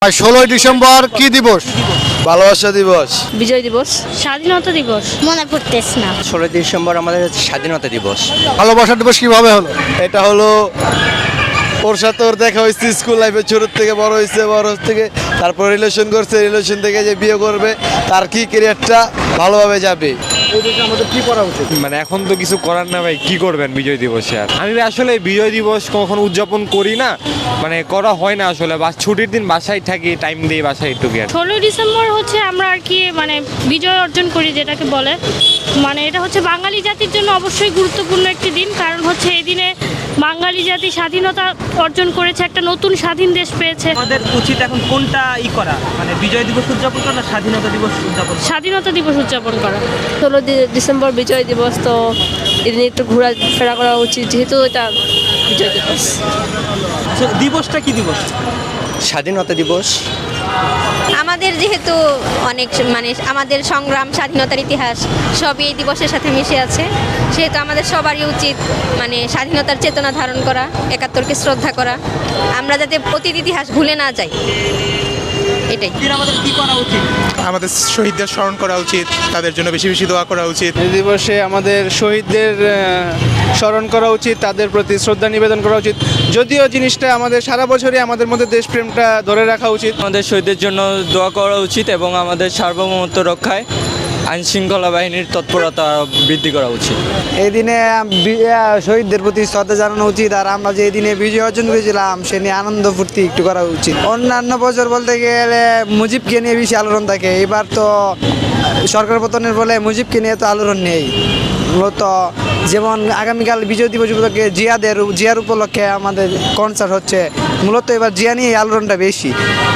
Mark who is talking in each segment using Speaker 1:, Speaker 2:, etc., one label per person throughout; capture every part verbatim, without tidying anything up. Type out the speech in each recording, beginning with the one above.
Speaker 1: আর ষোলোই ডিসেম্বর কি দিবস?
Speaker 2: ভালোবাসা দিবস,
Speaker 3: বিজয় দিবস, স্বাধীনতা দিবস।
Speaker 4: মনে পড়তেছে না।
Speaker 5: ষোলোই ডিসেম্বর আমাদের হচ্ছে স্বাধীনতা দিবস।
Speaker 1: ভালোবাসা দিবস কিভাবে হলো?
Speaker 2: এটা হলো ওর সাথে ওর দেখা হয়েছে স্কুল লাইফে, ছোটোর থেকে বড় হয়েছে, বড় থেকে তারপর রিলেশন করছে, রিলেশন থেকে যে বিয়ে করবে তার কি ক্যারিয়ারটা ভালোভাবে যাবে।
Speaker 1: এই দেশে আমাদের কি করা উচিত?
Speaker 6: মানে এখন তো কিছু করার না ভাই, কি করবেন বিজয় দিবসে? আর আমি আসলে বিজয় দিবস কখনো উদযাপন করি না, মানে করা হয় না আসলে। বাস ছুটির দিন বাসায় থাকি, টাইম দিই বাসায় একটু গিয়ে।
Speaker 3: ষোলোই ডিসেম্বর হচ্ছে আমরা আর কি মানে বিজয় অর্জন করি যেটাকে বলে, মানে এটা হচ্ছে বাঙালি জাতির জন্য অবশ্যই গুরুত্বপূর্ণ একটি দিন। কারণ হচ্ছে এই দিনে বাঙালি জাতি স্বাধীনতা অর্জন করেছে, একটা নতুন স্বাধীন দেশ পেয়েছে।
Speaker 7: আমাদের উচিত এখন কোনটা ই করা, মানে বিজয় দিবস উদযাপন করা না স্বাধীনতা দিবস উদযাপন করা?
Speaker 3: স্বাধীনতা দিবস উদযাপন করা।
Speaker 8: ষোলো ডিসেম্বর বিজয় দিবস, তো এদিন একটু ঘোরাফেরা করা উচিত যেহেতু এটা বিজয় দিবস।
Speaker 7: আচ্ছা, দিবসটা কি দিবস?
Speaker 5: স্বাধীনতা দিবস।
Speaker 4: আমাদের যেহেতু অনেক মানে আমাদের সংগ্রাম, স্বাধীনতার ইতিহাস সবই এই দিবসের সাথে মিশে আছে, সেহেতু আমাদের সবারই উচিত মানে স্বাধীনতার চেতনা ধারণ করা, একাত্তরকে শ্রদ্ধা করা, আমরা যাতে অতীত ইতিহাস ভুলে না যাই, এটাই।
Speaker 7: দিন আমাদের কি করা উচিত?
Speaker 9: আমাদের শহীদদের স্মরণ করা উচিত, তাদের জন্য বেশি বেশি দোয়া করা উচিত।
Speaker 10: এই দিবসে আমাদের শহীদদের আহ, স্মরণ করা উচিত, তাদের প্রতি শ্রদ্ধা নিবেদন করা উচিত। যদিও জিনিসটা আমাদের সারা বছরই আমাদের মধ্যে দেশপ্রেমটা ধরে রাখা উচিত।
Speaker 11: আমাদের শহীদদের জন্য দোয়া করা উচিত এবং আমাদের সার্বভৌমত্ব রক্ষায় আইন শৃঙ্খলা বাহিনীর তৎপরতা বৃদ্ধি করা উচিত।
Speaker 12: এই দিনে শহীদদের প্রতি শ্রদ্ধা জানানো উচিত, আর আমরা যে এই দিনে বিজয় অর্জন করেছিলাম সে নিয়ে আনন্দ ফুর্তি একটু করা উচিত। অন্যান্য বছর বলতে গেলে মুজিবকে নিয়ে বেশি আলোড়ন থাকে, এবার তো সরকার পতনের ফলে মুজিবকে নিয়ে তো আলোড়ন নেই। মূলত যেমন আগামীকাল বিজয় দিবস উপলক্ষে জিয়াদের জিয়ার উপলক্ষে আমাদের কনসার্ট হচ্ছে, মূলত এবার জিয়া নিয়ে আলোড়নটা বেশি।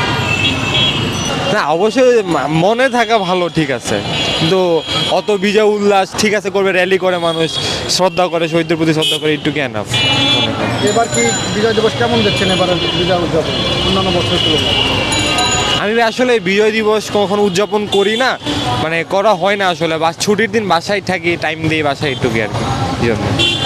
Speaker 6: না অবশ্যই মা- মনে থাকা ভালো, ঠিক আছে, কিন্তু অত বিজয় উল্লাস ঠিক আছে করবে, র্যালি করে মানুষ শ্রদ্ধা করে, শহীদদের প্রতি শ্রদ্ধা করে, একটু জ্ঞান আপ।
Speaker 1: এবার কি বিজয় দিবস কেমন দেখছেন এবার বিজয় উদযাপন অন্যান্য বছরের তুলনায়?
Speaker 6: আমি আসলে বিজয় দিবস কখনো উদযাপন করি না, মানে করা হয় না আসলে। বাস ছুটির দিন বাসায় থাকি, টাইম দিই বাসায় একটু গিয়ে আর কি, এই জন্য।